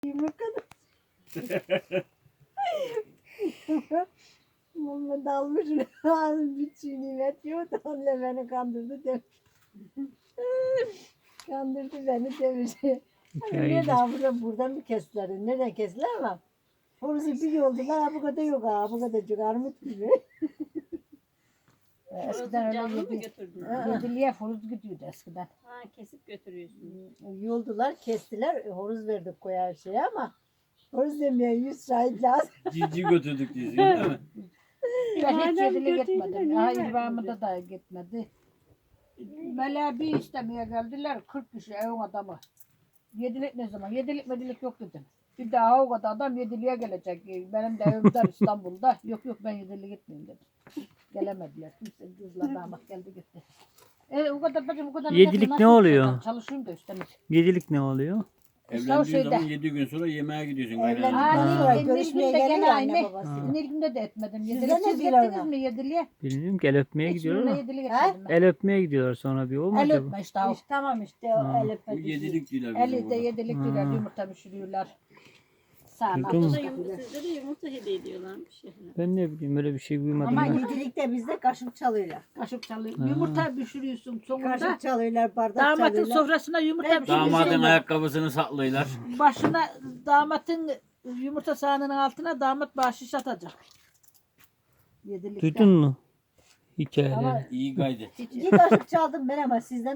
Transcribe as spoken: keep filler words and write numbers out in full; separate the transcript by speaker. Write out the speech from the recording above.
Speaker 1: Yumurta Muhammed almış bir çiğ nimet yiyor da onunla beni kandırdı demiş. Kandırdı beni demiş. Hani ne daha burada, buradan mı kestiler? Nereden kestiler ama? Orası bir yoldular, ha bu kadar yok ha, bu kadar çok armut gibi. Eskiden
Speaker 2: Canlı
Speaker 1: öyle
Speaker 2: mı
Speaker 1: yedi,
Speaker 2: götürdün?
Speaker 1: yediliğe horoz gidiyordu eskiden.
Speaker 2: Ha, kesip götürüyorsun.
Speaker 1: Yoldular, kestiler, horoz verdik koyar şeye ama horoz demeye yüz şahit lazım.
Speaker 3: Cici götürdük diyorsun değil mi?
Speaker 1: Ben hiç
Speaker 2: Madem
Speaker 1: yedilik
Speaker 2: kötüydü de
Speaker 1: gitmedim.
Speaker 2: niye
Speaker 1: Ha,
Speaker 2: vermedin?
Speaker 1: İbrahim'de da gitmedi. Böyle bir istemeye geldiler, kırk kişi evin adamı. Yedilik ne zaman? Yedilik medilik yok dedim. Bir daha o kadar adam yediliğe gelecek. Benim de evim dar İstanbul'da. Yok yok ben yediliğe gitmeyeyim dedim. Gelemediler. Kimse kızlar damat geldi gitti. E, o kadar bacım o kadar.
Speaker 4: Yedilik
Speaker 1: nasıl
Speaker 4: ne oluyor?
Speaker 1: yapacağım? Çalışıyorum da üstelik.
Speaker 4: Yedilik ne oluyor?
Speaker 3: Evlendiğin
Speaker 1: şeyde.
Speaker 3: zaman yedi gün sonra yemeğe gidiyorsun.
Speaker 1: Evlendikten
Speaker 3: kaynananın.
Speaker 1: sonra
Speaker 4: Ha.
Speaker 1: görüşmeye
Speaker 2: Nilgün'de
Speaker 1: geliyor
Speaker 2: gene
Speaker 1: anne
Speaker 2: aynı.
Speaker 1: babası.
Speaker 4: Ha.
Speaker 1: Nilgün'de de etmedim.
Speaker 2: Sizde
Speaker 1: Yedilik
Speaker 2: ne
Speaker 1: siz
Speaker 2: diyorlar
Speaker 1: gittiniz
Speaker 2: ona?
Speaker 1: mi yediliğe?
Speaker 4: Bilmiyorum ki el öpmeye gidiyorlar
Speaker 1: Hiçbirine
Speaker 4: ama.
Speaker 1: yedilik
Speaker 2: Ha?
Speaker 1: etmedim ben.
Speaker 4: El öpmeye gidiyorlar sonra bir o mu
Speaker 1: El
Speaker 4: acaba?
Speaker 1: öpme işte o.
Speaker 2: İşte tamam işte o
Speaker 4: Ha.
Speaker 2: el
Speaker 3: Bu
Speaker 2: öpmedi.
Speaker 3: yedilik diyorlar bizim
Speaker 1: Eli de
Speaker 3: burada.
Speaker 1: yedilik
Speaker 4: Ha.
Speaker 1: diyorlar. Yumurta pişiriyorlar. Sağına
Speaker 4: Duydun mu?
Speaker 2: Burada
Speaker 1: tuz
Speaker 2: yumurta,
Speaker 1: katıyorlar.
Speaker 2: sizde de yumurta hediye ediyorlarmış. Yani.
Speaker 4: Ben ne bileyim öyle bir şey duymadım
Speaker 1: Ama
Speaker 4: ya.
Speaker 5: Yedilikte bizde kaşık çalıyorlar.
Speaker 1: Kaşık çalıyor.
Speaker 4: Ha.
Speaker 1: Yumurta pişiriyorsun sonunda.
Speaker 5: Kaşık çalıyorlar, bardak
Speaker 1: Damatın
Speaker 5: çalıyorlar.
Speaker 1: sofrasına yumurta
Speaker 5: Ben
Speaker 1: pişiriyorsun.
Speaker 3: Damadın ayakkabısını saklıyorlar.
Speaker 1: Başına damatın yumurta sahanının altına damat bahşiş atacak. Yedilikte.
Speaker 4: Duydun mu? Hikayeleri.
Speaker 1: Ama
Speaker 3: İyi gaydi.
Speaker 5: Bir kaşık çaldım ben ama sizden